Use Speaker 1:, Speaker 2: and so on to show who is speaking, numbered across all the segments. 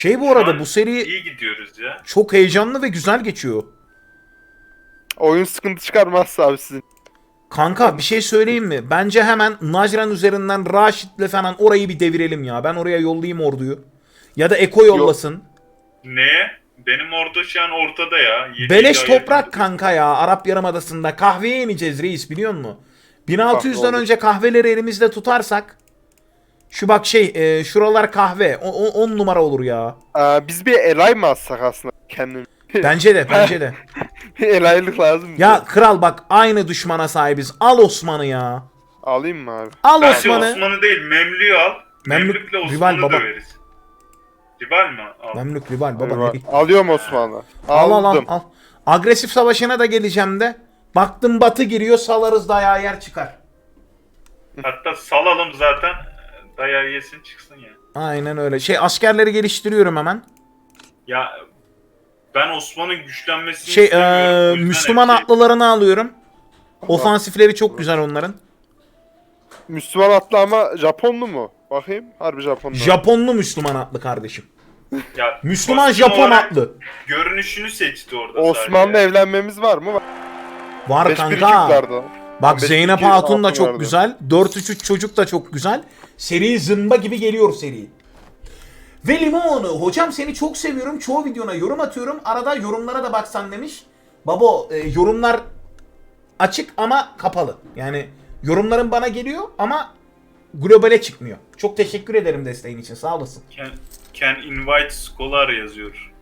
Speaker 1: Bu
Speaker 2: Şu
Speaker 1: arada
Speaker 2: an
Speaker 1: bu seri
Speaker 2: iyi gidiyoruz ya.
Speaker 1: çok heyecanlı ve güzel geçiyor.
Speaker 3: Oyun sıkıntı çıkarmazsa abi sizin.
Speaker 1: Kanka bir şey söyleyeyim mi? Bence hemen Najran üzerinden Raşit'le falan orayı bir devirelim ya. Ben oraya yollayayım orduyu. Ya da Eko yollasın.
Speaker 2: Neye? Benim orada şu an ortada ya.
Speaker 1: Beleş
Speaker 2: Yeni
Speaker 1: toprak kanka ya. Arap Yarımadası'nda kahveye ineceğiz reis, biliyor musun? 1600'den
Speaker 3: olur.
Speaker 1: önce kahveleri elimizde tutarsak şu bak şuralar kahve. 10 numara olur ya.
Speaker 3: Biz bir Elay mı atsak aslında kendimiz?
Speaker 1: Bence de, bence de.
Speaker 3: Elaylık lazım bize.
Speaker 1: Ya kral bak, aynı düşmana sahibiz. Al Osman'ı ya.
Speaker 3: Alayım mı abi?
Speaker 1: Al
Speaker 2: Bence
Speaker 1: Osman'ı.
Speaker 2: Osman'ı değil, Memlü'yü al.
Speaker 1: Memlük,
Speaker 2: Memlük'le
Speaker 1: rival
Speaker 2: Osman'ı
Speaker 1: baba.
Speaker 2: döveriz. Rival mi? Al.
Speaker 1: Memlük rival baba.
Speaker 3: Eyvah.
Speaker 1: Ne?
Speaker 3: Alıyorum Osmanlı.
Speaker 1: Al al al
Speaker 3: Aldım.
Speaker 1: al. Agresif savaşına da geleceğim de. Baktım batı giriyor, salarız dayağı yer çıkar.
Speaker 2: Hatta salalım zaten. Dayağı yesin çıksın ya.
Speaker 1: Aynen öyle. Askerleri geliştiriyorum hemen.
Speaker 2: Ya ben Osman'ın güçlenmesini istemiyorum. O yüzden
Speaker 1: Müslüman
Speaker 2: her şey-
Speaker 1: atlılarını alıyorum. Ofansifleri çok güzel onların.
Speaker 3: Müslüman atlı ama Japonlu mu? Bakayım. Harbi Japonlu.
Speaker 1: Japonlu Müslüman atlı kardeşim.
Speaker 2: Ya,
Speaker 1: Müslüman
Speaker 2: kostüm
Speaker 1: Japon
Speaker 2: olarak
Speaker 1: atlı.
Speaker 2: Görünüşünü seçti orada
Speaker 3: Osmanlı
Speaker 2: sadece.
Speaker 3: evlenmemiz var mı?
Speaker 1: Var
Speaker 3: 5-1
Speaker 1: kanka.
Speaker 3: Türklerdi.
Speaker 1: Bak
Speaker 3: 5-1
Speaker 1: Zeynep Hatun da
Speaker 3: altın
Speaker 1: çok
Speaker 3: vardı.
Speaker 1: güzel. 4-3-3 çocuk da çok güzel. Seri zımba gibi geliyor seri. Ve Limon, hocam seni çok seviyorum. Çoğu videona yorum atıyorum. Arada yorumlara da baksan demiş. Babo, yorumlar açık ama kapalı. Yani yorumların bana geliyor ama globale çıkmıyor. Çok teşekkür ederim desteğin için. Sağ olasın.
Speaker 2: Can invite scholar yazıyor.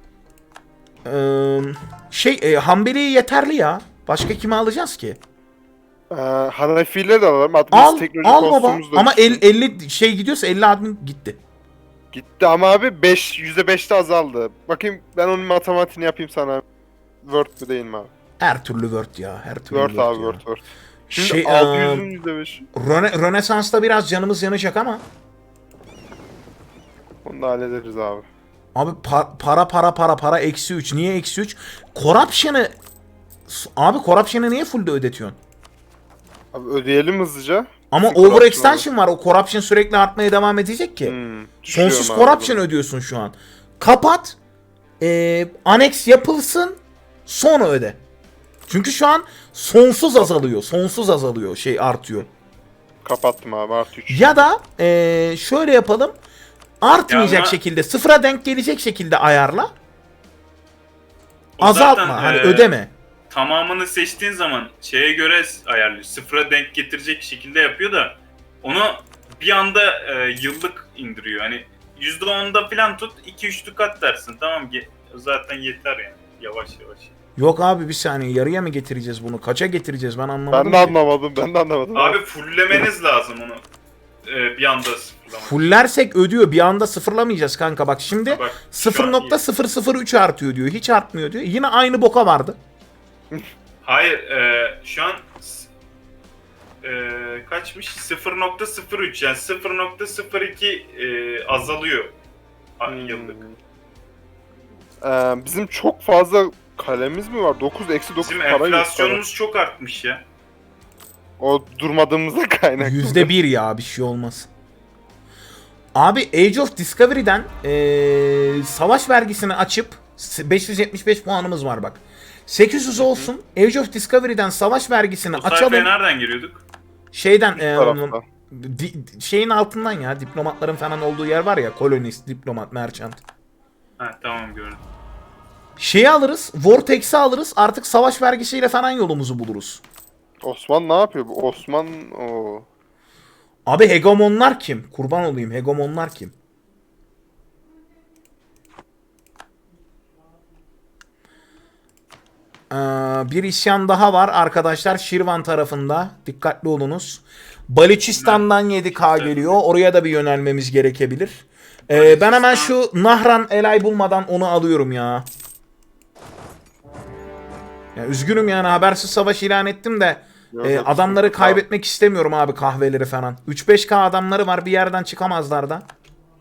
Speaker 1: Hanbeli yeterli ya. Başka kimi alacağız ki?
Speaker 3: Hanefi'yle de alalım. Hatta
Speaker 1: Al,
Speaker 3: biz teknoloji
Speaker 1: al baba.
Speaker 3: kostümümüz de
Speaker 1: Ama
Speaker 3: düştü.
Speaker 1: 50 gidiyorsa 50 admin gitti.
Speaker 3: Gitti ama abi %5'te azaldı. Bakayım ben onun matematiğini yapayım sana. Word mü değil mi abi?
Speaker 1: Her türlü Word ya. Her türlü
Speaker 3: Word abi
Speaker 1: ya.
Speaker 3: Word. Şimdi
Speaker 1: Şey,
Speaker 3: 600'ün %5'i.
Speaker 1: Rönesans'ta biraz canımız yanacak ama
Speaker 3: Onu da hallederiz abi.
Speaker 1: abi para eksi 3. Niye eksi 3? Corruption'ı niye full'de ödetiyorsun?
Speaker 3: Abi ödeyelim hızlıca.
Speaker 1: Ama
Speaker 3: Corruption
Speaker 1: overextension var. O corruption sürekli artmaya devam edecek ki.
Speaker 3: Düşüyorum
Speaker 1: Sonsuz
Speaker 3: abi
Speaker 1: corruption
Speaker 3: bunu.
Speaker 1: ödüyorsun şu an. Kapat. Annex yapılsın. Sonra öde. Çünkü şu an sonsuz azalıyor. Sonsuz azalıyor. Artıyor.
Speaker 3: Kapattım abi artı 3.
Speaker 1: Ya da şöyle yapalım. Artmayacak
Speaker 2: Ya ama-
Speaker 1: şekilde, sıfıra denk gelecek şekilde ayarla.
Speaker 2: O
Speaker 1: Azaltma.
Speaker 2: zaten,
Speaker 1: Hani ödeme.
Speaker 2: Tamamını seçtiğin zaman şeye göre ayarlıyor. Sıfıra denk getirecek şekilde yapıyor da onu bir anda yıllık indiriyor. Hani %10'da falan tut, 2-3 kat dersin. Tamam, zaten yeter yani. Yavaş yavaş.
Speaker 1: Yok abi, bir saniye, yarıya mı getireceğiz bunu? Kaça getireceğiz, ben anlamadım
Speaker 3: Ben de
Speaker 1: ki.
Speaker 3: anlamadım.
Speaker 2: Abi fulllemeniz lazım onu. Bir anda sıfırlamak.
Speaker 1: Fullersek ödüyor, bir anda sıfırlamayacağız kanka. Bak şimdi
Speaker 2: Ha bak, şu an iyi.
Speaker 1: 0.003 artıyor diyor. Hiç artmıyor diyor. Yine aynı boka vardı.
Speaker 2: Hayır, şu an kaçmış? 0.03 yani 0.02 azalıyor yıllık.
Speaker 3: Bizim çok fazla kalemiz mi var? 9 eksi 9
Speaker 2: Bizim
Speaker 3: para yok.
Speaker 2: enflasyonumuz çok artmış ya.
Speaker 3: O durmadığımızda kaynaklı.
Speaker 1: %1 ya, bir şey olmaz. Abi Age of Discovery'den savaş vergisini açıp 575 puanımız var bak. 800 olsun. Age of Discovery'den savaş vergisini
Speaker 2: Bu sayfaya
Speaker 1: açalım.
Speaker 2: nereden giriyorduk?
Speaker 1: Şeyden
Speaker 3: tarafta.
Speaker 1: şeyin altından ya, diplomatların falan olduğu yer var ya, kolonist, diplomat, merchant.
Speaker 2: Ha tamam, gördüm.
Speaker 1: Şeyi alırız, Vortex'i alırız, artık savaş vergisiyle falan yolumuzu buluruz.
Speaker 3: Osman ne yapıyor? Bu Osman o.
Speaker 1: Abi hegemonlar kim? Kurban olayım, hegemonlar kim? Bir isyan daha var arkadaşlar Şirvan tarafında. Dikkatli olunuz. Balüçistan'dan 7K geliyor. Oraya da bir yönelmemiz gerekebilir. Ben hemen şu Nahran Elay bulmadan onu alıyorum ya. Ya üzgünüm yani, habersiz savaş ilan ettim de adamları kaybetmek istemiyorum abi, kahveleri falan. 3-5K adamları var, bir yerden çıkamazlar da.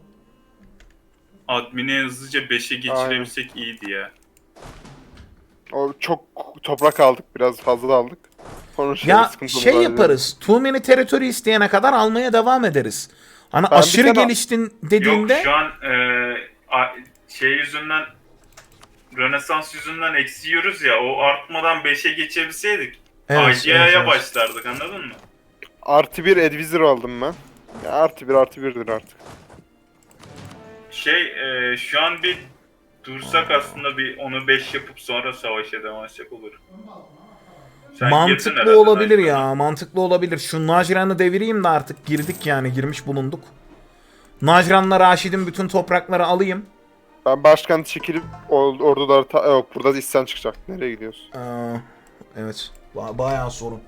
Speaker 2: Admin'i hızlıca 5'e geçirebilsek iyiydi ya.
Speaker 3: O çok toprak aldık, biraz fazla aldık. Sonra
Speaker 1: Ya
Speaker 3: sıkıntımız
Speaker 1: şey
Speaker 3: var
Speaker 1: yaparız. Too many territory isteyene kadar almaya devam ederiz. Hani
Speaker 3: Ben bir
Speaker 1: aşırı
Speaker 3: tane-
Speaker 1: geliştin dediğinde
Speaker 2: Yok, şu an şey yüzünden, Rönesans yüzünden eksiyoruz ya, o artmadan 5'e geçebilseydik
Speaker 1: Evet,
Speaker 2: IDEA'ya
Speaker 1: evet.
Speaker 2: başlardık, anladın mı?
Speaker 3: Artı bir advisor aldım ben. Ya artı birdir artık.
Speaker 2: Şu an bir dursak aslında, bir onu 5 yapıp sonra savaşa devam etsek olur. Sen girdin herhalde
Speaker 1: Mantıklı olabilir
Speaker 2: Najran'a.
Speaker 1: ya. Mantıklı olabilir. Şu Najran'ı devireyim de artık girdik yani. Girmiş bulunduk. Najran'la Raşid'in bütün toprakları alayım.
Speaker 3: Ben başkan çekilip orduları yok, burada da isyan çıkacak. Nereye gidiyorsun?
Speaker 1: Evet. Bayağı sorun.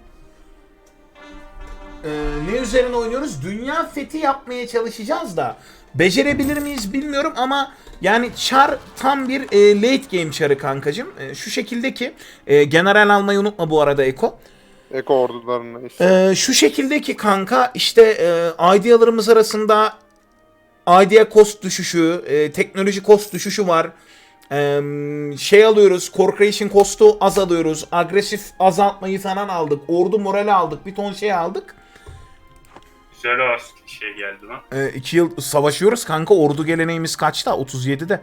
Speaker 1: Ne üzerine oynuyoruz? Dünya fethi yapmaya çalışacağız da. Becerebilir miyiz bilmiyorum ama yani Char tam bir late game Char'ı kankacım. Şu şekilde ki general almayı unutma bu arada Eko.
Speaker 3: Eko ordularına isyan.
Speaker 1: Şu şekilde ki kanka işte idealarımız arasında idea cost düşüşü, teknoloji cost düşüşü var. Şey alıyoruz, core creation cost'u az alıyoruz. Agresif azaltmayı falan aldık. Ordu morali aldık. Bir ton şey aldık.
Speaker 2: Güzel şey geldi lan.
Speaker 1: 2 yıl savaşıyoruz kanka. Ordu geleneğimiz kaçta? 37'de.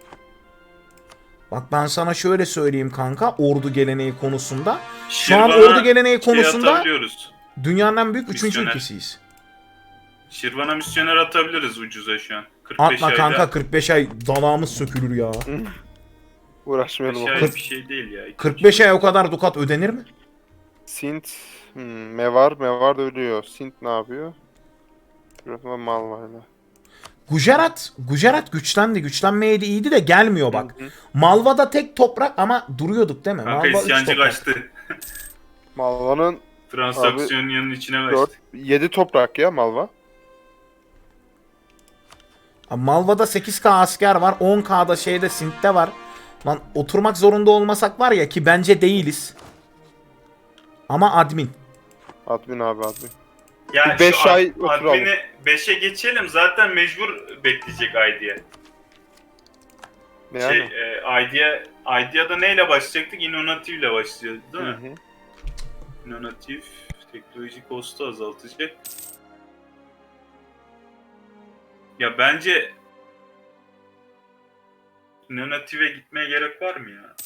Speaker 1: Bak ben sana şöyle söyleyeyim kanka. Ordu geleneği konusunda. Şu an
Speaker 2: Şirvan'a
Speaker 1: ordu geleneği konusunda
Speaker 2: atabiliyoruz.
Speaker 1: dünyanın en büyük 3.
Speaker 2: Misyoner.
Speaker 1: ülkesiyiz.
Speaker 2: Şirvan'a misyoner atabiliriz ucuza şu an. 45
Speaker 1: Atma
Speaker 2: ayda.
Speaker 1: kanka 45 ay dalağımız sökülür ya.
Speaker 3: Uğraşmayalım.
Speaker 2: 45
Speaker 3: o.
Speaker 2: ay bir şey değil ya.
Speaker 1: 45 ay o kadar dukat ödenir mi?
Speaker 3: Sint. Mevar da ölüyor. Sint ne yapıyor? Şurada Malva'yla.
Speaker 1: Gujarat güçlendi. Güçlenmeye de iyiydi de gelmiyor bak. Malva'da tek toprak ama duruyorduk değil mi?
Speaker 2: Kanka
Speaker 1: Malva 3
Speaker 2: isyancı
Speaker 1: toprak.
Speaker 2: kaçtı.
Speaker 3: Malva'nın
Speaker 2: Transaksiyonun içine
Speaker 3: 4,
Speaker 2: kaçtı.
Speaker 3: 7 toprak ya Malva.
Speaker 1: Abi Malva'da 8K asker var. 10K'da şeyde Sint'te var. Lan oturmak zorunda olmasak var ya ki bence değiliz. Ama admin.
Speaker 3: Admin abi admin.
Speaker 2: Ya
Speaker 3: Bir 5
Speaker 2: şu
Speaker 3: ay oturalım.
Speaker 2: admini 5'e geçelim, zaten mecbur bekleyecek IDEA.
Speaker 3: Ne yani?
Speaker 2: IDEA'da neyle başlayacaktık? Innovative ile başlıyordu değil mi?
Speaker 3: Hı hı.
Speaker 2: Innovative teknoloji costu azaltacak. Ya bence Innovative'e gitmeye gerek var mı ya?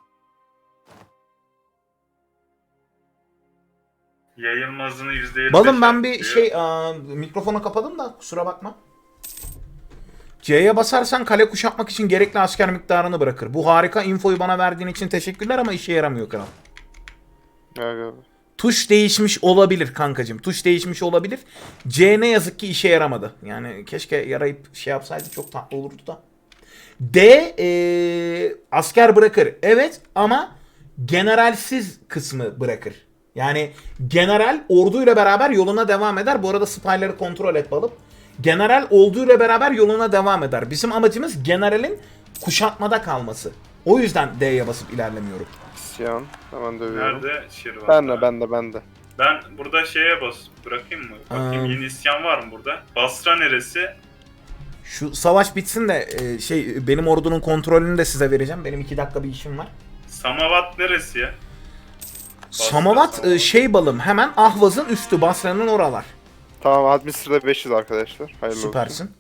Speaker 2: Yayılmazını %25
Speaker 1: Balım ben bir
Speaker 2: artıyor.
Speaker 1: mikrofonu kapadım da kusura bakma. C'ye basarsan kale kuşatmak için gerekli asker miktarını bırakır. Bu harika infoyu bana verdiğin için teşekkürler ama işe yaramıyor kral.
Speaker 3: Evet.
Speaker 1: Tuş değişmiş olabilir kankacım. Tuş değişmiş olabilir. C ne yazık ki işe yaramadı. Yani keşke yarayıp şey yapsaydı çok tatlı olurdu da. D asker bırakır. Evet ama generalsiz kısmı bırakır. Yani general orduyla beraber yoluna devam eder. Bu arada spyları kontrol et balım. General orduyla beraber yoluna devam eder. Bizim amacımız generalin kuşatmada kalması. O yüzden D'ye basıp ilerlemiyorum.
Speaker 3: İsyan. Hemen dövüyorum.
Speaker 2: Nerede? Şirvan'da.
Speaker 3: Ben de.
Speaker 2: Ben burada şeye bırakayım mı? Bakayım yeni isyan var mı burada? Basra neresi?
Speaker 1: Şu savaş bitsin de benim ordunun kontrolünü de size vereceğim. Benim 2 dakika bir işim var.
Speaker 2: Samavat neresi ya?
Speaker 1: Samavat balım hemen Ahvaz'ın üstü Basra'nın oralar.
Speaker 3: Tamam admin sırada 500 arkadaşlar. Hayırlı olsun.
Speaker 1: Süpersin.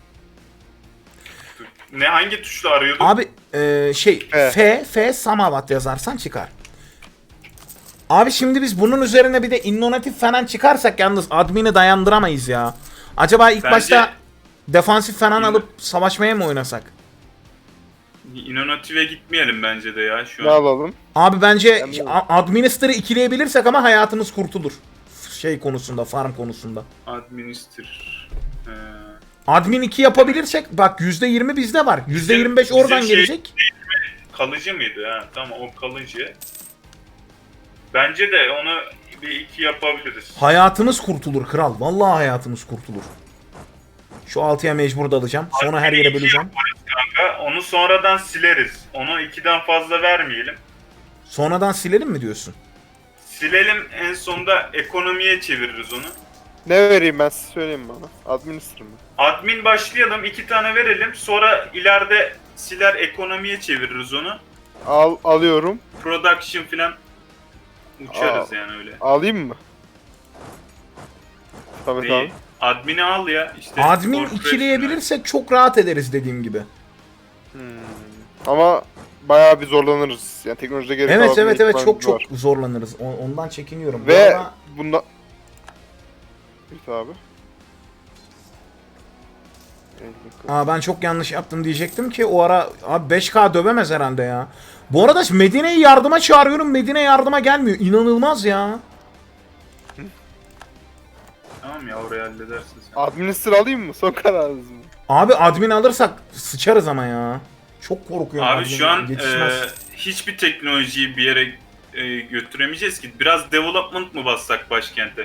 Speaker 2: Ne, hangi tuşla arıyorduk?
Speaker 1: Abi F Samavat yazarsan çıkar. Abi şimdi biz bunun üzerine bir de innovatif falan çıkarsak yalnız admini dayandıramayız ya. Acaba ilk
Speaker 2: Bence-
Speaker 1: başta defansif falan alıp savaşmaya mı oynasak?
Speaker 2: Innovative'e gitmeyelim bence de ya şu
Speaker 3: Ne
Speaker 2: an.
Speaker 3: alalım?
Speaker 1: Abi bence
Speaker 3: Ben de-
Speaker 1: Administer'ı ikileyebilirsek ama hayatımız kurtulur. Şey konusunda, farm konusunda.
Speaker 2: Administer.
Speaker 1: Admin 2 yapabilirsek bak %20 bizde var. %25 oradan
Speaker 2: bizim
Speaker 1: gelecek.
Speaker 2: Kalıcı mıydı? Ha, tamam, o kalıcı. Bence de onu bir 2 yapabiliriz.
Speaker 1: Hayatımız kurtulur kral. Vallahi hayatımız kurtulur. Şu 6'ya mecbur dalacağım. Sonra her yere böleceğim.
Speaker 2: Kanka, onu sonradan sileriz. Onu 2'den fazla vermeyelim.
Speaker 1: Sonradan silelim mi diyorsun?
Speaker 2: Silelim, en sonunda ekonomiye çeviririz onu.
Speaker 3: Ne vereyim ben size söyleyeyim bana. Administer mi?
Speaker 2: Admin başlayalım, 2 tane verelim. Sonra ileride siler, ekonomiye çeviririz onu.
Speaker 3: Alıyorum.
Speaker 2: Production filan uçarız yani öyle.
Speaker 3: Alayım mı? Tabii
Speaker 2: Neyi? Admin'i al ya. İşte
Speaker 1: Admin
Speaker 2: corporation'ı.
Speaker 1: ikileyebilirsek çok rahat ederiz dediğim gibi.
Speaker 3: Ama bayağı bir zorlanırız. Yani teknolojide geri
Speaker 1: Evet
Speaker 3: kalabilme
Speaker 1: evet evet,
Speaker 3: ihtimalimiz
Speaker 1: çok
Speaker 3: var.
Speaker 1: zorlanırız. Ondan çekiniyorum. Bu
Speaker 3: Ve
Speaker 1: arada-
Speaker 3: bunda... Evet abi.
Speaker 1: ben çok yanlış yaptım diyecektim ki o ara abi 5K dövemez herhalde ya. Bu arada Medine'yi yardıma çağırıyorum. Medine yardıma gelmiyor. İnanılmaz ya.
Speaker 2: Tamam ya, orayı halledersin sen.
Speaker 3: Administer alayım mı? Son kararınız mı?
Speaker 1: Abi admin alırsak sıçarız ama ya. Çok korkuyorum.
Speaker 2: Abi
Speaker 1: admin
Speaker 2: şu an
Speaker 1: yetişmez.
Speaker 2: hiçbir teknolojiyi bir yere götüremeyeceğiz ki. Biraz development mı bassak başkente?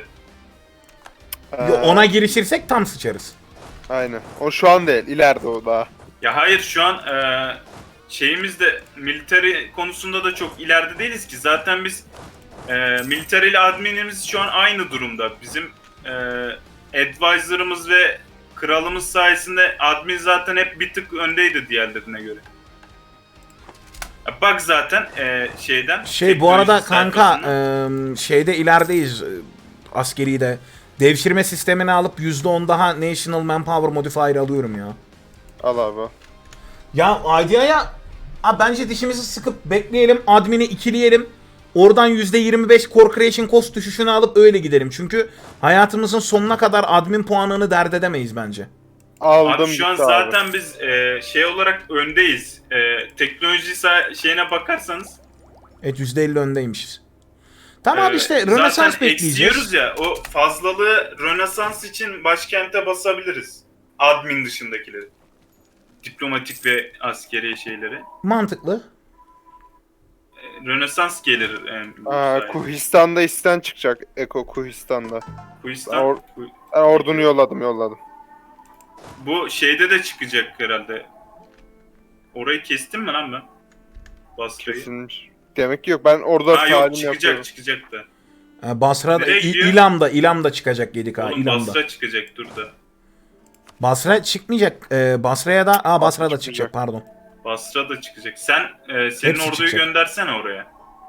Speaker 1: Ona girişirsek tam sıçarız.
Speaker 3: Aynen. O şu an değil. İleride o daha.
Speaker 2: Ya hayır, şu an şeyimiz de military konusunda da çok ileride değiliz ki. Zaten biz military ile adminimiz şu an aynı durumda. Bizim advisor'ımız ve kralımız sayesinde admin zaten hep bir tık öndeydi diğerlerine göre. Ya bak zaten şeyden.
Speaker 1: Bu arada
Speaker 2: teknoloji
Speaker 1: kanka
Speaker 2: sayfasından-
Speaker 1: şeyde ilerideyiz, askeri de. Devşirme sistemini alıp %10 daha National Manpower Modifier alıyorum ya.
Speaker 3: Al abi.
Speaker 1: Ya IDIA'ya bence dişimizi sıkıp bekleyelim. Admin'i ikileyelim. Oradan %25 Core Creation Cost düşüşünü alıp öyle gidelim. Çünkü hayatımızın sonuna kadar admin puanını dert edemeyiz bence.
Speaker 3: Aldım
Speaker 2: Abi şu an
Speaker 3: gitti abi.
Speaker 2: zaten biz şey olarak öndeyiz. Teknoloji şeyine bakarsanız
Speaker 1: Evet, %50 öndeymişiz. Tamam abi, işte
Speaker 2: zaten
Speaker 1: Rönesans
Speaker 2: eksiyoruz
Speaker 1: bekleyeceğiz.
Speaker 2: ya, o fazlalığı Rönesans için başkente basabiliriz. Admin dışındakileri. Diplomatik ve askeri şeyleri.
Speaker 1: Mantıklı.
Speaker 2: Rönesans gelir.
Speaker 3: Kuhistan'da isten çıkacak. Eko Kuhistan'da.
Speaker 2: Kuistan,
Speaker 3: Ben ordunu yolladım.
Speaker 2: bu şeyde de çıkacak herhalde. Orayı kestim mi lan ben? Basra'yı.
Speaker 3: Kesilmiş. Demek ki yok. Ben orada
Speaker 2: Ha yok,
Speaker 3: talim
Speaker 2: çıkacak
Speaker 3: yapıyorum.
Speaker 2: çıkacak da.
Speaker 1: Basra'da,
Speaker 2: Nereye gidiyor?
Speaker 1: İlam'da çıkacak 7K.
Speaker 2: Oğlum
Speaker 1: İlam'da.
Speaker 2: Basra çıkacak, dur da.
Speaker 1: Basra çıkmayacak. Basra'ya da Basra'da
Speaker 3: çıkacak.
Speaker 1: çıkacak, pardon.
Speaker 2: Basra da çıkacak. Sen senin
Speaker 1: Hepsi
Speaker 2: orduyu
Speaker 1: çıkacak.
Speaker 2: göndersene oraya.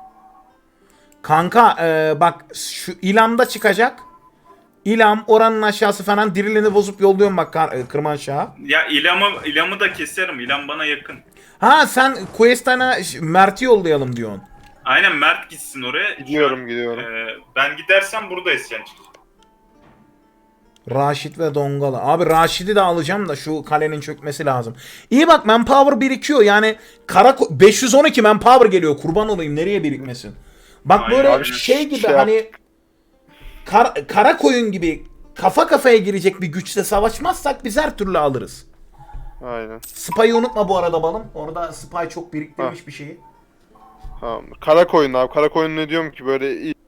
Speaker 1: Kanka bak şu İlam'da çıkacak. İlam oranın aşağısı falan, dirilini bozup yolluyorum bak Kırmanşah'a.
Speaker 2: Ya İlam'ı da keserim. İlam bana yakın.
Speaker 1: Ha sen Quest'ana Mert'i yollayalım diyorsun.
Speaker 2: Aynen, Mert gitsin oraya. Şu
Speaker 3: Gidiyorum,
Speaker 2: an,
Speaker 3: gidiyorum.
Speaker 2: Ben gidersem burada isyan çıkacak.
Speaker 1: Raşit ve Dongalı. Abi Raşit'i de alacağım da şu kalenin çökmesi lazım. İyi bak, manpower birikiyor yani. 512 manpower geliyor, kurban olayım, nereye birikmesin. Bak
Speaker 2: Aynen,
Speaker 1: böyle
Speaker 2: aynen.
Speaker 1: şey gibi
Speaker 3: Şey
Speaker 1: hani kara koyun gibi kafa kafaya girecek bir güçle savaşmazsak biz her türlü alırız.
Speaker 3: Aynen.
Speaker 1: Spy'ı unutma bu arada balım. Orada Spy çok biriktirmiş bir şeyi.
Speaker 3: Tamam. Karakoyun abi. Karakoyun ne diyorum ki böyle iyi.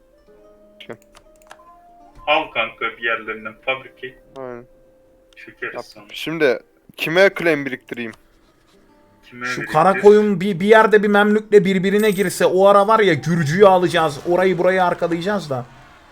Speaker 2: Al kanka bir yerlerinden fabrike.
Speaker 3: Aynen.
Speaker 2: Çökeriz
Speaker 3: Yap.
Speaker 2: sonra.
Speaker 3: Şimdi kime claim biriktireyim?
Speaker 2: Kime
Speaker 1: Şu
Speaker 2: verecektir?
Speaker 1: kara koyun bir yerde bir memlükle birbirine girse o ara var ya, Gürcü'yü alacağız. Orayı burayı arkalayacağız da.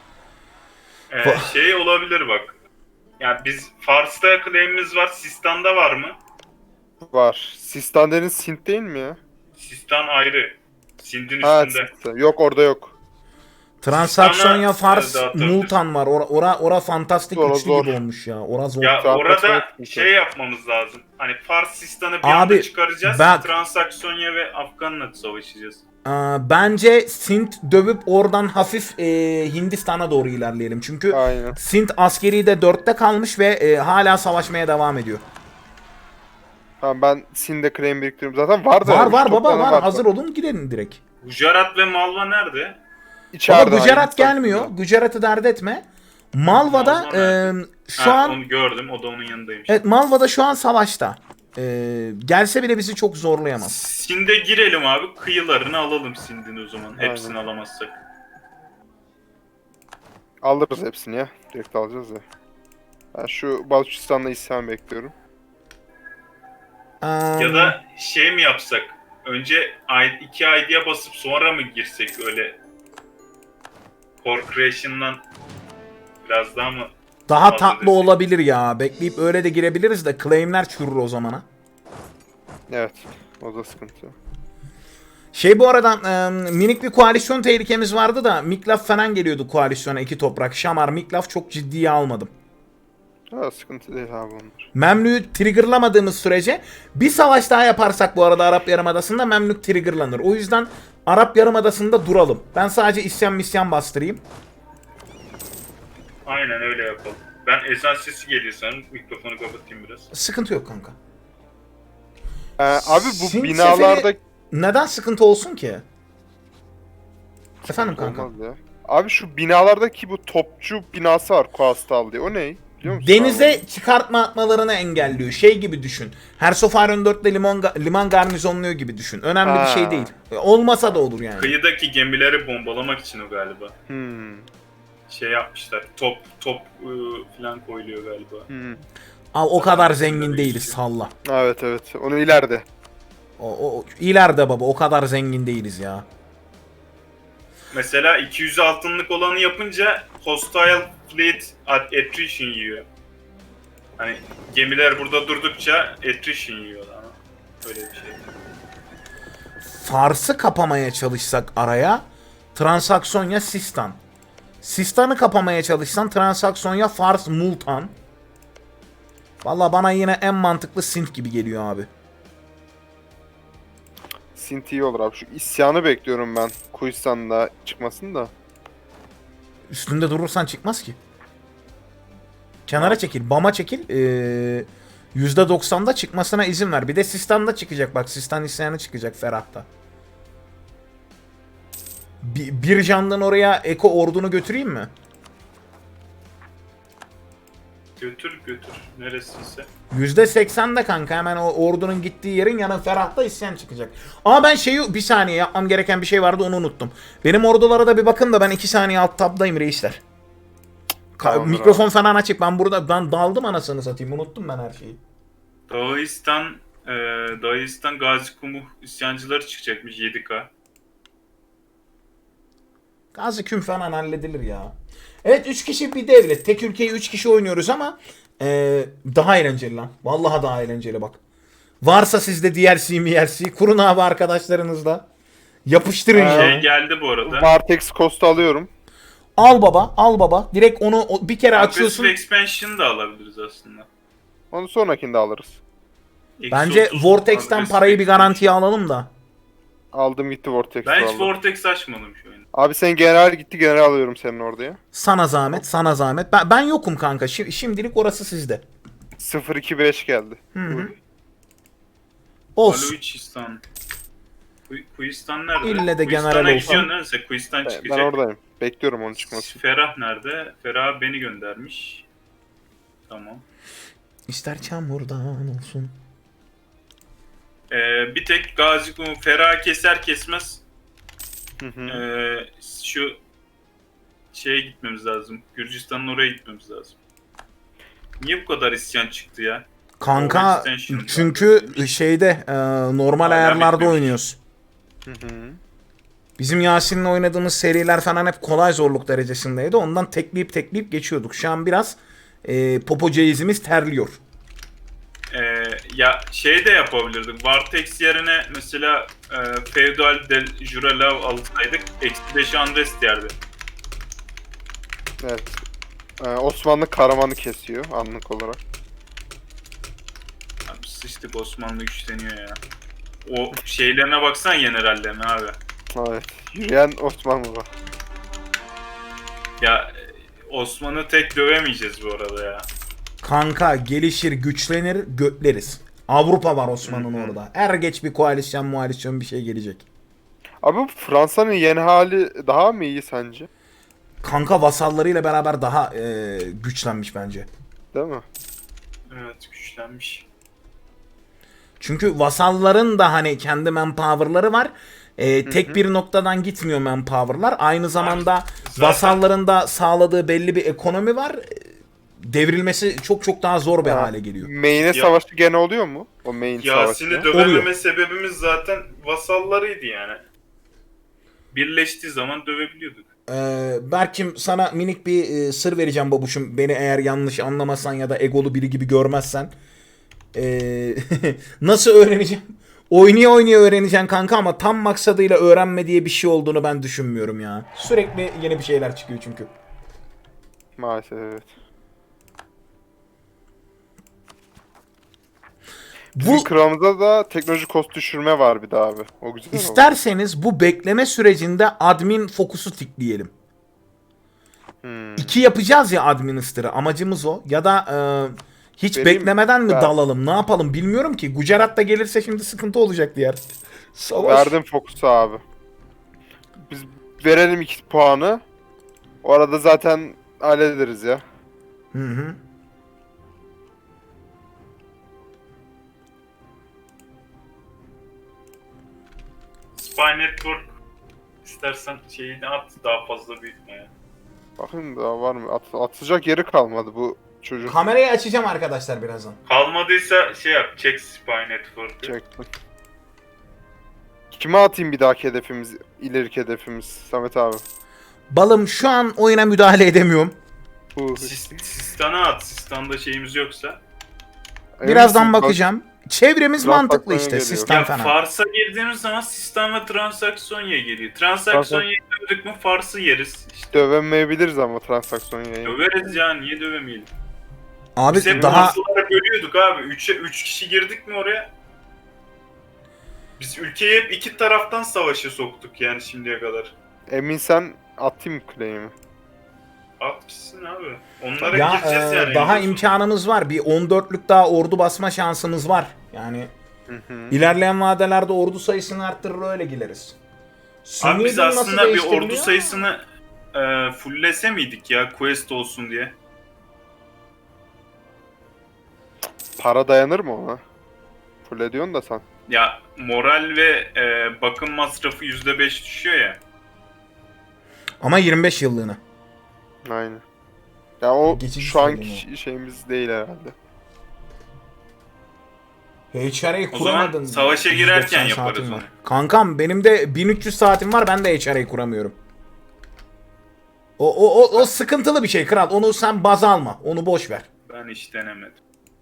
Speaker 2: Şey olabilir bak. Ya biz Fars'ta claim'imiz var. Sistan'da var mı?
Speaker 3: Var. Sistan deniz Sint değil mi ya?
Speaker 2: Sistan ayrı. Sind'in
Speaker 3: Ha,
Speaker 2: üstünde.
Speaker 3: Sint. Yok, orada yok.
Speaker 1: Transaksonya
Speaker 2: Sistan'a,
Speaker 1: Fars
Speaker 2: dağıtabiliriz.
Speaker 1: Multan var. Ora fantastik
Speaker 3: Zor,
Speaker 1: güçlü
Speaker 3: zor.
Speaker 1: gibi olmuş ya. Ora zor.
Speaker 2: Ya
Speaker 3: Transaksonya
Speaker 2: orada
Speaker 3: sıkıntı.
Speaker 2: şey yapmamız lazım. Hani Fars Sistan'ı bir
Speaker 1: Abi,
Speaker 2: anda çıkaracağız.
Speaker 1: bak.
Speaker 2: Transaksonya ve Afgan'la savaşacağız.
Speaker 1: Bence Sint dövüp oradan hafif Hindistan'a doğru ilerleyelim. Çünkü
Speaker 3: Aynen.
Speaker 1: Sint askeri de 4'te kalmış ve hala savaşmaya devam ediyor.
Speaker 3: Tamam, ben Sint'de claim biriktiriyorum. Zaten var da.
Speaker 1: Var
Speaker 3: üç
Speaker 1: baba
Speaker 3: toplanı
Speaker 1: var. Hazır olun, gidelim direkt.
Speaker 2: Gujarat ve Malva nerede?
Speaker 3: İçeride.
Speaker 1: Baba Gujarat
Speaker 3: Hindistan.
Speaker 1: gelmiyor. Gujarat'ı dert etme. Malva'da
Speaker 2: Malva nerede?
Speaker 1: şu an
Speaker 2: Onu gördüm. O da onun yanındaymış.
Speaker 1: evet, Malva'da şu an savaşta. Gelse bile bizi çok zorlayamaz.
Speaker 2: Sind'e girelim abi. Kıyılarını alalım Sind'in o zaman. Hepsini alamazsak.
Speaker 3: Alırız hepsini ya. Direkt alacağız ya. Ben şu Baluchistan'da isyan bekliyorum.
Speaker 2: Ya da şey mi yapsak? Önce 2 ID'ye basıp sonra mı girsek öyle? Core Creation'dan biraz daha mı?
Speaker 1: daha
Speaker 2: fazla
Speaker 1: tatlı
Speaker 2: destek?
Speaker 1: olabilir ya. Bekleyip öyle de girebiliriz de claimler çürür o zamana.
Speaker 3: Evet. O da sıkıntı.
Speaker 1: Bu arada minik bir koalisyon tehlikemiz vardı da Miklaf falan geliyordu koalisyona, 2 toprak. Şamar, Miklaf çok ciddiye almadım.
Speaker 3: Ha, sıkıntı değil abi onlar.
Speaker 1: Memlük'ü triggerlamadığımız sürece bir savaş daha yaparsak bu arada Arap Yarımadası'nda Memlük triggerlanır. O yüzden Arap Yarımadası'nda duralım. Ben sadece isyan misyan bastırayım.
Speaker 2: Aynen öyle yapalım. Ben ezan sesi geliyor sanırım. Mikrofonu kapatayım biraz.
Speaker 1: Sıkıntı yok kanka.
Speaker 3: Abi bu
Speaker 1: Sin
Speaker 3: binalarda
Speaker 1: seferi neden sıkıntı olsun ki? Efendim kanka.
Speaker 3: olmaz ya. Abi şu binalardaki bu topçu binası var Kuastal diye. O ne? Biliyor musun?
Speaker 1: Denize çıkartma atmalarını engelliyor. Şey gibi düşün. Hersofaron 4'te liman garnizonluyor gibi düşün. Önemli bir
Speaker 3: Ha.
Speaker 1: şey değil. Olmasa da olur yani.
Speaker 2: Kıyıdaki gemileri bombalamak için o galiba. Şey yapmışlar. Top falan koyuluyor galiba.
Speaker 1: Al, o kadar zengin değiliz salla.
Speaker 3: Evet evet. Onu ileride.
Speaker 1: O ileride baba o kadar zengin değiliz ya.
Speaker 2: Mesela 200 altınlık olanı yapınca hostile fleet attrition yiyor. Hani gemiler burada durdukça attrition yiyor ama öyle bir şey.
Speaker 1: Fars'ı kapamaya çalışsak araya Transaksonya Sistan. Sistan'ı kapamaya çalışsan Transaksonya Fars Multan. Valla bana yine en mantıklı Sint gibi geliyor abi.
Speaker 3: Sint iyi olur abi. Şu isyanı bekliyorum ben. Kuistan'da çıkmasın da.
Speaker 1: Üstünde durursan çıkmaz ki. Kenara çekil, Bam'a çekil. %90'da çıkmasına izin ver. Bir de Sistan'da çıkacak bak. Sistan isyanı çıkacak Ferah'ta. Bir candan oraya Eko ordunu götüreyim mi?
Speaker 2: Götür. Neresiyse.
Speaker 1: %80'de kanka hemen o ordunun gittiği yerin yanı Ferah'ta isyan çıkacak. Ama ben bir saniye yapmam gereken bir şey vardı onu unuttum. Benim ordulara da bir bakın da ben 2 saniye alt tabdayım reisler.
Speaker 3: Tamamdır
Speaker 1: Mikrofon
Speaker 3: abi.
Speaker 1: falan açık. Ben daldım anasını satayım. Unuttum ben her şeyi.
Speaker 2: Dağistan Gazi Kumuh isyancıları çıkacakmış 7K.
Speaker 1: Gazi Küm falan halledilir ya. Evet 3 kişi bir devlet. Tek ülkeyi 3 kişi oynuyoruz ama daha eğlenceli lan. Vallahi daha eğlenceli bak. Varsa sizde DLC kurun abi arkadaşlarınızla. Yapıştırın ya.
Speaker 2: Şey geldi bu arada.
Speaker 3: Vartex Coast'u alıyorum.
Speaker 1: Al baba. Direkt onu bir kere açıyorsun.
Speaker 2: Aggressive Expansion'ı da alabiliriz aslında.
Speaker 3: Onu sonrakinde alırız.
Speaker 1: Bence
Speaker 2: Eksi 30
Speaker 1: Vortex'ten
Speaker 2: aggressive
Speaker 1: parayı bir
Speaker 2: expansion.
Speaker 1: garantiye alalım da.
Speaker 3: Aldım gitti Vortex'i
Speaker 2: Ben hiç
Speaker 3: aldım.
Speaker 2: Vortex açmadım şu oyunu.
Speaker 3: Abi sen general gitti, general alıyorum senin oraya.
Speaker 1: Sana zahmet. Ben yokum kanka. Şimdilik orası sizde.
Speaker 3: 0-2-5 geldi.
Speaker 1: Olsun.
Speaker 2: Baluchistan. Kuistan nerede?
Speaker 1: İlle de general
Speaker 2: Kuistan'a
Speaker 1: olsun.
Speaker 2: gidiyorsun neredeyse. Kuistan
Speaker 3: Ben
Speaker 2: çıkacak.
Speaker 3: oradayım. Bekliyorum onun çıkmasını.
Speaker 2: Ferah nerede? Ferah beni göndermiş. Tamam.
Speaker 1: İster çamurdan olsun.
Speaker 2: Bir tek Gazi Kumu Ferah keser kesmez
Speaker 3: Hı hı.
Speaker 2: şu şeye gitmemiz lazım. Gürcistan'ın oraya gitmemiz lazım. Niye bu kadar isyan çıktı ya?
Speaker 1: Kanka
Speaker 2: Extension
Speaker 1: çünkü şeyde normal
Speaker 2: Hala
Speaker 1: ayarlarda
Speaker 2: bitmemiş.
Speaker 1: oynuyoruz.
Speaker 3: Hı hı.
Speaker 1: Bizim Yasin'le oynadığımız seriler falan hep kolay zorluk derecesindeydi. Ondan tekleyip geçiyorduk. Şu an biraz popo ceizimiz terliyor.
Speaker 2: Ya şey de yapabilirdik. Vartex yerine mesela Feudal del Juralav alsaydık eksi 5 Andres yerdi.
Speaker 3: Evet. Osmanlı Karaman'ı kesiyor anlık olarak.
Speaker 2: Abi sıçtık, Osmanlı güçleniyor ya. O şeylerine baksan generallerine abi.
Speaker 3: Evet. Yürüyen Osmanlı var.
Speaker 2: Ya Osman'ı tek dövemeyeceğiz bu arada ya.
Speaker 1: Kanka gelişir, güçlenir, götleriz. Avrupa var Osman'ın orada. Er geç bir koalisyon bir şey gelecek.
Speaker 3: Abi bu Fransa'nın yeni hali daha mı iyi sence?
Speaker 1: Kanka vasallarıyla beraber daha güçlenmiş bence.
Speaker 3: Değil mi?
Speaker 2: Evet, güçlenmiş.
Speaker 1: Çünkü vasalların da hani kendi manpower'ları var. Tek bir noktadan gitmiyor manpower'lar. Aynı zamanda
Speaker 2: zaten-
Speaker 1: vasalların da sağladığı belli bir ekonomi var. Devrilmesi çok daha zor bir
Speaker 3: Ha,
Speaker 1: hale geliyor.
Speaker 3: Main'e savaşı gene oluyor mu? O main
Speaker 2: Yasin'i
Speaker 3: savaşı.
Speaker 2: dövememe
Speaker 1: Oluyor.
Speaker 2: sebebimiz zaten vasallarıydı yani. Birleştiği zaman dövebiliyorduk.
Speaker 1: Berkim sana minik bir sır vereceğim babuşum. Beni eğer yanlış anlamasan ya da egolu biri gibi görmezsen. Nasıl öğreneceğim? Oynaya öğreneceksin kanka ama tam maksadıyla öğrenme diye bir şey olduğunu ben düşünmüyorum ya. Sürekli yeni bir şeyler çıkıyor çünkü.
Speaker 3: Maalesef evet. Bizim
Speaker 1: Bu
Speaker 3: kralımızda da teknoloji kost düşürme var bir daha abi. O güzel oldu.
Speaker 1: isterseniz bu bekleme sürecinde admin fokusu tıklayalım. 2 yapacağız ya administer'ı. Amacımız o. Ya da hiç
Speaker 3: Vereyim
Speaker 1: beklemeden mi
Speaker 3: ver.
Speaker 1: dalalım? Ne yapalım bilmiyorum ki. Gujarat da gelirse şimdi sıkıntı olacak diğer. Savaş.
Speaker 3: Verdim fokusu abi. Biz verelim 2 puanı. O arada zaten hallederiz ya.
Speaker 1: Hı hı.
Speaker 2: Spy Network istersen şeyini at, daha fazla büyütme ya.
Speaker 3: Bakın daha var mı? Atacak yeri kalmadı bu çocuk.
Speaker 1: Kamerayı açacağım arkadaşlar birazdan.
Speaker 2: Kalmadıysa şey yap, çek Spy Network'ü.
Speaker 3: Çektim. Kime atayım bir dahaki hedefimiz, ileriki hedefimiz Samet abi?
Speaker 1: Balım şu an oyuna müdahale edemiyorum.
Speaker 2: Sistan'a at, Sistan'da şeyimiz yoksa.
Speaker 1: Birazdan bakacağım. Çevremiz
Speaker 3: Biraz
Speaker 1: mantıklı
Speaker 3: bakmaya
Speaker 1: işte
Speaker 3: geliyor.
Speaker 1: sistem
Speaker 2: Ya
Speaker 1: falan.
Speaker 2: Fars'a girdiğimiz zaman Sistan ve Transaksiyonya geliyor. Transaksiyonya'yı dövdük mü Fars'ı yeriz. İşte
Speaker 3: Dövemeyebiliriz ama transaksiyon yayını.
Speaker 2: döveriz ya, niye dövemeyelim?
Speaker 1: Abi
Speaker 2: Biz hep
Speaker 1: daha
Speaker 2: Farslılara bölüyorduk abi. 3 kişi girdik mi oraya? Biz ülkeyi hep iki taraftan savaşa soktuk yani şimdiye kadar.
Speaker 3: Emin sen atayım claim'i.
Speaker 2: Atmışsın abi. Onlara
Speaker 1: ya
Speaker 2: gireceğiz yani.
Speaker 1: daha
Speaker 2: en
Speaker 1: imkanımız var. Bir 14'lük daha ordu basma şansımız var. Yani
Speaker 3: Hı hı.
Speaker 1: ilerleyen vadelerde ordu sayısını arttırır öyle gideriz.
Speaker 2: Abi biz
Speaker 1: Sunni'den nasıl
Speaker 2: aslında bir
Speaker 1: değiştiriliyor?
Speaker 2: ordu sayısını fulllese miydik ya quest olsun diye?
Speaker 3: Para dayanır mı ona? Full ediyorsun da sen.
Speaker 2: Ya moral ve bakım masrafı %5 düşüyor ya.
Speaker 1: Ama 25 yıllığına.
Speaker 3: Aynen. Ya o
Speaker 1: Geçici
Speaker 3: şu anki
Speaker 1: söyleyeyim
Speaker 3: şeyimiz değil herhalde.
Speaker 1: HR'yi
Speaker 2: O zaman
Speaker 1: kuramadın.
Speaker 2: savaşa girerken
Speaker 1: 190
Speaker 2: yaparız
Speaker 1: saatim
Speaker 2: onu.
Speaker 1: var. Kankam benim de 1300 saatim var, ben de HR'yi kuramıyorum. O sıkıntılı bir şey kral. Onu sen baz alma. Onu boş ver.
Speaker 2: Ben hiç denemedim.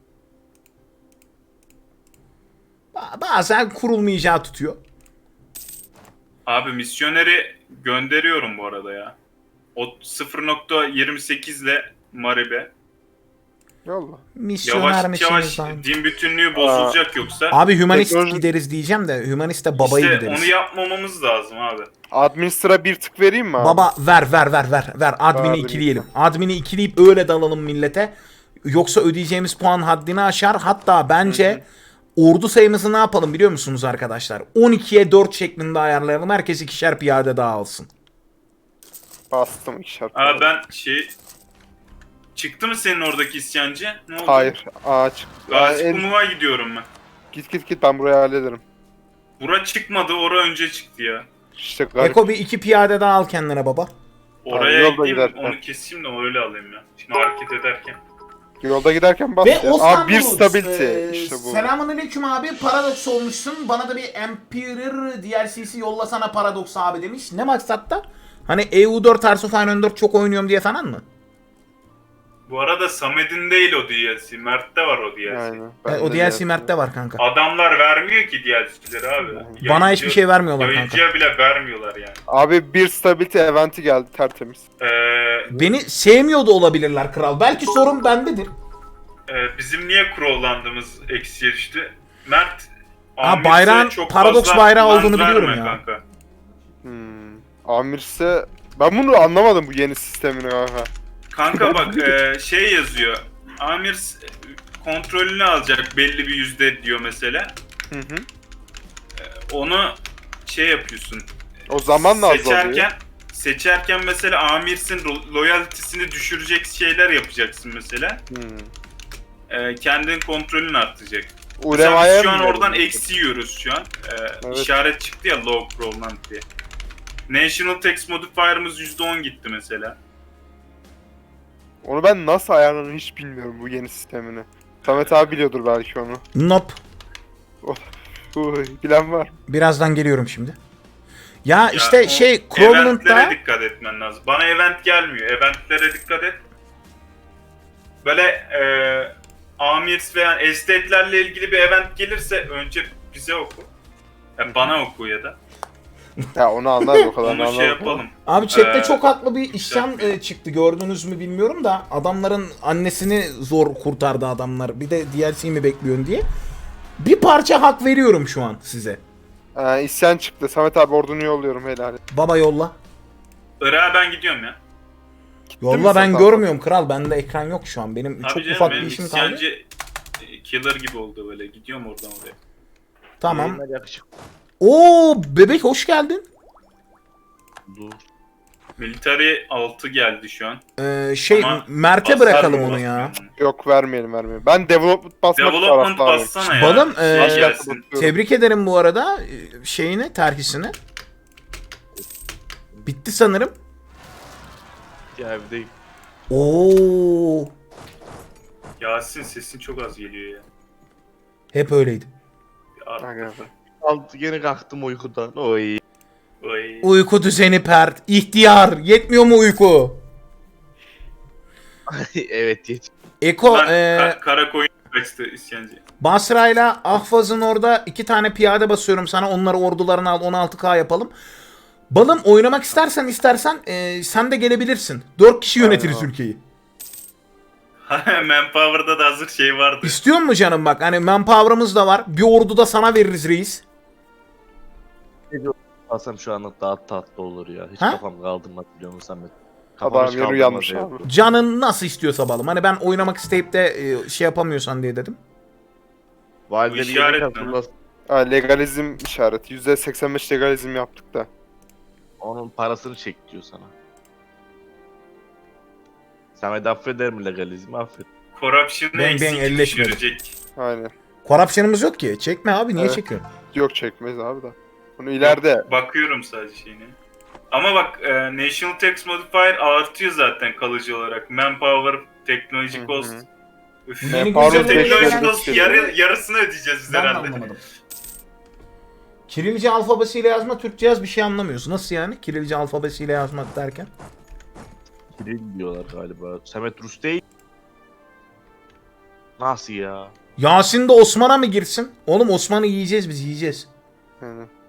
Speaker 1: Bazen kurulmayacağı tutuyor.
Speaker 2: Abi misyoneri gönderiyorum bu arada ya. O 0.28 ile Maribe.
Speaker 3: Yolla.
Speaker 1: Misyoner
Speaker 2: Yavaş yavaş
Speaker 1: misiniz?
Speaker 2: din bütünlüğü bozulacak yoksa.
Speaker 1: Abi hümanist
Speaker 3: Teknoloji-
Speaker 1: gideriz diyeceğim de hümanist de babayı
Speaker 2: işte
Speaker 1: gideriz.
Speaker 2: onu yapmamamız lazım abi.
Speaker 3: Administra bir tık vereyim mi abi?
Speaker 1: Baba ver. Admin'i
Speaker 3: Verdim.
Speaker 1: ikileyelim. Admin'i ikileyip öyle dalalım millete. Yoksa ödeyeceğimiz puan haddini aşar. Hatta bence ordu sayımızı ne yapalım biliyor musunuz arkadaşlar? 12'ye 4 şeklinde ayarlayalım. Herkes ikişer piyade daha alsın.
Speaker 3: Bastım ikişer.
Speaker 2: Abi ben şey... Çıktı mı senin oradaki isyancı? Ne oldu?
Speaker 3: Hayır. Ağaç.
Speaker 2: Gazi Kumru'ya gidiyorum ben.
Speaker 3: Git ben burayı hallederim.
Speaker 2: Bura çıkmadı, ora önce çıktı ya.
Speaker 3: İşte garip.
Speaker 1: Eko bir 2 piyade daha al kendine baba.
Speaker 2: Oraya
Speaker 3: yolda
Speaker 2: gideyim,
Speaker 3: giderken.
Speaker 2: onu keseyim de öyle alayım ya. Şimdi hareket ederken.
Speaker 3: Yolda giderken bas
Speaker 1: Ve
Speaker 3: ya.
Speaker 1: Osman
Speaker 3: Abi bir
Speaker 1: Bulut,
Speaker 3: stability. İşte bu.
Speaker 1: Selamünaleyküm abi. Paradox olmuşsun. Bana da bir Emperor DLC'si yollasana Paradox abi demiş. Ne maksatta? Hani EU4 Hearts of Iron 4 çok oynuyorum diye falan mı?
Speaker 2: Bu arada Samet'in değil o DLC. Mert'te var o DLC.
Speaker 3: Aynen.
Speaker 1: O DLC Mert'te var kanka.
Speaker 2: Adamlar vermiyor ki DLC'leri abi.
Speaker 1: Bana hiçbir şey vermiyorlar kanka.
Speaker 2: Yayıncıya bile vermiyorlar yani.
Speaker 3: Abi bir stability eventi geldi tertemiz.
Speaker 1: Beni sevmiyor da olabilirler kral. Belki sorun bendedir.
Speaker 2: Bizim niye crowlandığımız eksiye düştü? Mert
Speaker 1: Ha, bayrağın
Speaker 2: çok
Speaker 1: Paradox
Speaker 2: fazla
Speaker 1: bayrağı
Speaker 2: land
Speaker 1: olduğunu biliyorum
Speaker 2: verme
Speaker 1: ya.
Speaker 2: Kanka.
Speaker 3: Amirse ben bunu anlamadım bu yeni sistemini kanka.
Speaker 2: Kanka bak şey yazıyor. Amir kontrolünü alacak belli bir yüzde diyor mesela.
Speaker 3: Hı hı.
Speaker 2: Onu şey yapıyorsun.
Speaker 3: O zamanla azalıyor.
Speaker 2: Seçerken mesela amirsin loyaltisini düşürecek şeyler yapacaksın mesela. Kendin kontrolünü artacak. Mesela
Speaker 3: Ulemaya
Speaker 2: biz şu an
Speaker 3: mı
Speaker 2: oradan
Speaker 3: verelim?
Speaker 2: eksi yiyoruz şu an.
Speaker 3: Evet.
Speaker 2: İşaret çıktı ya low crowland diye. National Tax Modifier'ımız %10 gitti mesela.
Speaker 3: Onu ben nasıl ayarlarını hiç bilmiyorum bu yeni sistemini. Samet abi biliyordur belki onu.
Speaker 1: Nope.
Speaker 3: Bilen var.
Speaker 1: Birazdan geliyorum şimdi. Ya
Speaker 2: o
Speaker 1: işte Crowland'da
Speaker 2: Eventlere dikkat etmen lazım. Bana event gelmiyor. Eventlere dikkat et. Böyle amirs veya estate'lerle ilgili bir event gelirse önce bize oku. Yani bana oku ya da.
Speaker 3: Ya onu anlar o kadar
Speaker 2: Onu
Speaker 3: anlar.
Speaker 2: şey yapalım.
Speaker 1: abi chatte
Speaker 2: Ee,
Speaker 1: çok haklı bir isyan çıktı. Gördünüz mü bilmiyorum da adamların annesini zor kurtardı adamlar. Bir de DLC mi bekliyorsun diye. Bir parça hak veriyorum şu an size.
Speaker 3: İsyan çıktı. Samet abi ordunu yolluyorum helal.
Speaker 1: Baba yolla.
Speaker 2: Irak'a ben gidiyorum ya.
Speaker 1: Yolla,
Speaker 3: mi
Speaker 1: ben
Speaker 3: sen
Speaker 1: görmüyorum kral. Bende ekran yok şu an. Benim
Speaker 2: Abi
Speaker 1: çok
Speaker 2: canım,
Speaker 1: ufak bir
Speaker 2: benim
Speaker 1: işim kaldı.
Speaker 2: isyancı killer gibi oldu böyle. Gidiyorum oradan oraya.
Speaker 1: Tamam.
Speaker 4: Yayınlar yakışık.
Speaker 1: Oo bebek hoş geldin.
Speaker 4: Dur.
Speaker 2: Military 6 geldi şu an. Ama
Speaker 1: Mert'e
Speaker 2: hasar
Speaker 1: bırakalım
Speaker 2: mı
Speaker 1: onu ya.
Speaker 2: basmıyor?
Speaker 3: Yok vermeyelim. Ben development basmak
Speaker 2: Development
Speaker 3: taraftarıyım.
Speaker 2: bassana ya.
Speaker 1: Balım,
Speaker 2: Şey gelsin.
Speaker 1: Tebrik ederim bu arada şeyini, terhisini. Bitti sanırım.
Speaker 4: Ya evdeyim.
Speaker 1: Oo,
Speaker 2: Yasin sesin çok az geliyor ya.
Speaker 1: hep öyleydi.
Speaker 2: Ya,
Speaker 4: Aldı gene kalktım uykudan. Oy.
Speaker 2: oy.
Speaker 1: Uyku düzeni pert, ihtiyar, yetmiyor mu uyku?
Speaker 4: Evet geç.
Speaker 1: Eko,
Speaker 2: Lan, kara koyun kaçtı isyancı.
Speaker 1: Basra'yla Ahvaz'ın orada 2 tane piyade basıyorum sana. Onları ordularını al, 16K yapalım. Balım oynamak istersen sen de gelebilirsin. 4 kişi yönetiriz
Speaker 3: Aynen.
Speaker 1: ülkeyi.
Speaker 2: Manpower'da da hazır şey vardı.
Speaker 1: İstiyor mu canım bak, hani manpower'ımız da var. Bir ordu da sana veririz reis.
Speaker 4: Alsam şu anlık daha tatlı olur ya. Hiç
Speaker 1: Ha?
Speaker 4: kafam kaldırmaz biliyor musun Samet? Kafam
Speaker 3: Adam
Speaker 4: hiç
Speaker 3: yeri
Speaker 4: kaldırmaz
Speaker 3: uyanmış
Speaker 4: ya.
Speaker 3: abi.
Speaker 1: Canın nasıl istiyorsa balım. Hani ben oynamak isteyip de şey yapamıyorsan diye dedim.
Speaker 4: Valideli
Speaker 2: Bu işaret
Speaker 4: yemek
Speaker 2: ne
Speaker 4: hazırlasın.
Speaker 3: Legalizm işareti. %85 legalizm yaptık da.
Speaker 4: Onun parasını çek diyor sana. Samet affeder mi legalizmi? Affet.
Speaker 2: Corruption'ı
Speaker 1: Ben
Speaker 2: eksik
Speaker 1: elleşmedim.
Speaker 2: düşürecek.
Speaker 3: Aynen.
Speaker 1: Corruption'ımız yok ki. Çekme abi, niye
Speaker 3: Evet.
Speaker 1: çekiyorsun?
Speaker 3: Yok çekmeyiz abi da. Bunu ileride.
Speaker 2: Bakıyorum sadece şeyine. Ama bak National Tax Modifier artıyor zaten kalıcı olarak. Manpower, Technology
Speaker 3: Hı hı.
Speaker 2: Cost. Üf.
Speaker 1: Yeni
Speaker 3: Manpower
Speaker 1: güncelleme
Speaker 2: Technology
Speaker 1: gelen-
Speaker 2: Cost yarısını ödeyeceğiz biz
Speaker 1: Ben de
Speaker 2: herhalde.
Speaker 1: anlamadım. Kirilce alfabesiyle yazma, Türkçe yaz, bir şey anlamıyorsun. Nasıl yani? Kirilce alfabesiyle yazmak derken?
Speaker 4: Kiril diyorlar galiba. Samet Rus değil. Nasıl ya?
Speaker 1: Yasin de Osman'a mı girsin? Oğlum Osman'ı yiyeceğiz biz, yiyeceğiz.
Speaker 3: Yani.